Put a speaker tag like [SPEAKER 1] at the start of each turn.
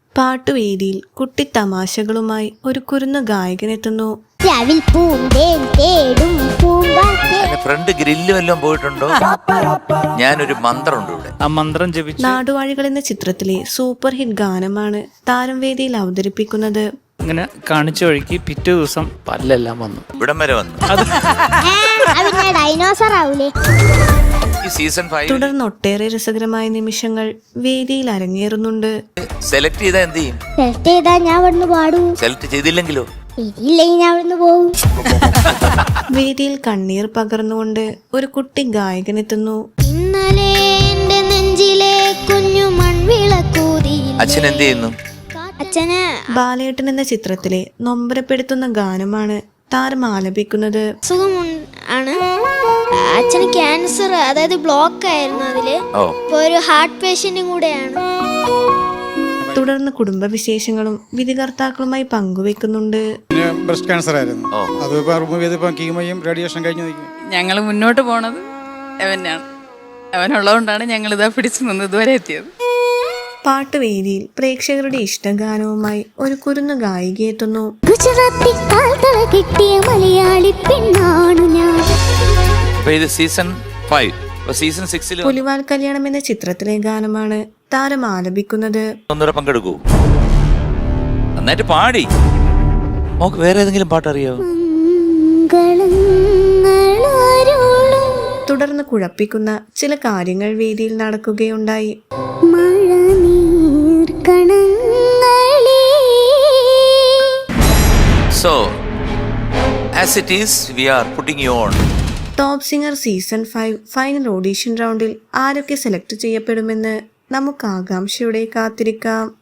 [SPEAKER 1] പാട്ടുവേദിയിൽ കുട്ടിത്തമാശകളുമായി ഒരു കുരുന്നു ഗായകനെത്തുന്നു.
[SPEAKER 2] Front grill വല്ലതും പോയിട്ടുണ്ടോ? ഞാനൊരു മന്ത്രമുണ്ട് ഇവിടെ.
[SPEAKER 3] ആ മന്ത്രം ജപിച്ചു.
[SPEAKER 1] നാടുവാഴികൾ എന്ന ചിത്രത്തിലെ സൂപ്പർ ഹിറ്റ് ഗാനമാണ് താരം വേദിയിൽ അവതരിപ്പിക്കുന്നത്.
[SPEAKER 3] ഇങ്ങനെ കാണിച്ച വഴിക്ക് പിറ്റേ ദിവസം പല്ലെല്ലാം വന്നു.
[SPEAKER 2] ഇവിടം വരെ വന്നു. സീസൺ 5
[SPEAKER 1] തുടർന്ന് ഒട്ടേറെ രസകരമായ നിമിഷങ്ങൾ വേദിയിൽ അരങ്ങേറുന്നുണ്ട്.
[SPEAKER 2] സെലക്ട് ചെയ്താ എന്ത് ചെയ്യും?
[SPEAKER 4] സെലക്ട് ചെയ്താ ഞാൻ അവിടുന്ന് പാടൂ.
[SPEAKER 2] സെലക്ട് ചെയ്തില്ലെങ്കിലോ?
[SPEAKER 4] ഇല്ലെങ്കിൽ ഞാൻ അവിടുന്ന് പോകും.
[SPEAKER 1] വേദിയിൽ കണ്ണീർ പകർന്നുകൊണ്ട് ഒരു കുട്ടി ഗായകനെത്തുന്നു.
[SPEAKER 4] ഇന്നലെ എന്റെ നെഞ്ചിലെ കുഞ്ഞു മൺവിളക്കൂതി.
[SPEAKER 2] അച്ഛൻ എന്ത് ചെയ്യുന്നു?
[SPEAKER 4] അച്ഛന്
[SPEAKER 1] ബാലേട്ടൻ എന്ന ചിത്രത്തിലെ നൊമ്പരപ്പെടുത്തുന്ന ഗാനമാണ് താരം ആലപിക്കുന്നത്.
[SPEAKER 4] അസുഖം ആണ്. അച്ഛന് ക്യാൻസർ, അതായത് ബ്ലോക്ക് ആയിരുന്നു. അതില് ഇപ്പൊ ഒരു ഹാർട്ട് പേഷ്യന്റും കൂടെയാണ്.
[SPEAKER 1] തുടർന്ന് കുടുംബവിശേഷങ്ങളും വിധികർത്താക്കളുമായി പങ്കുവെക്കുന്നുണ്ട്.
[SPEAKER 5] ബ്രസ്റ്റ് ക്യാൻസർ ആയിരുന്നു. അത് റിമൂവ് ചെയ്തപ്പോൾ കീമോയും റേഡിയേഷൻ കഴിഞ്ഞു നിൽക്കും.
[SPEAKER 6] ഞങ്ങൾ മുന്നോട്ട് പോണത് അവനാണ്. അവനുള്ളതുകൊണ്ടാണ് ഞങ്ങൾ ഇതാ പിടിച്ചു നിന്ന് ഇതുവരെ എത്തിയത്.
[SPEAKER 1] പാട്ടുവേദിയിൽ പ്രേക്ഷകരുടെ ഇഷ്ടഗാനവുമായി ഒരു കുരുന്നു ഗായികയെത്തുന്നു.
[SPEAKER 2] സീസൺ 5. സീസൺ 6
[SPEAKER 1] പുലിവാൽ കല്യാണം എന്ന ചിത്രത്തിലെ ഗാനമാണ് താരം ആലപിക്കുന്നത്.
[SPEAKER 2] ഒന്നുകൂടെ പങ്കെടുക്കൂ. നന്നായിട്ട് പാടി. നമുക്ക് വേറെ ഏതെങ്കിലും പാട്ടറിയോ?
[SPEAKER 1] തുടർന്ന് കുഴപ്പിക്കുന്ന ചില കാര്യങ്ങൾ വേദിയിൽ നടക്കുകയുണ്ടായി.
[SPEAKER 2] So, as it is, we are putting you on.
[SPEAKER 1] Top singer season 5 final audition റൗണ്ടിൽ ആരൊക്കെ സെലക്ട് ചെയ്യപ്പെടുമെന്ന് നമുക്ക് ആകാംക്ഷയോടെ കാത്തിരിക്കാം.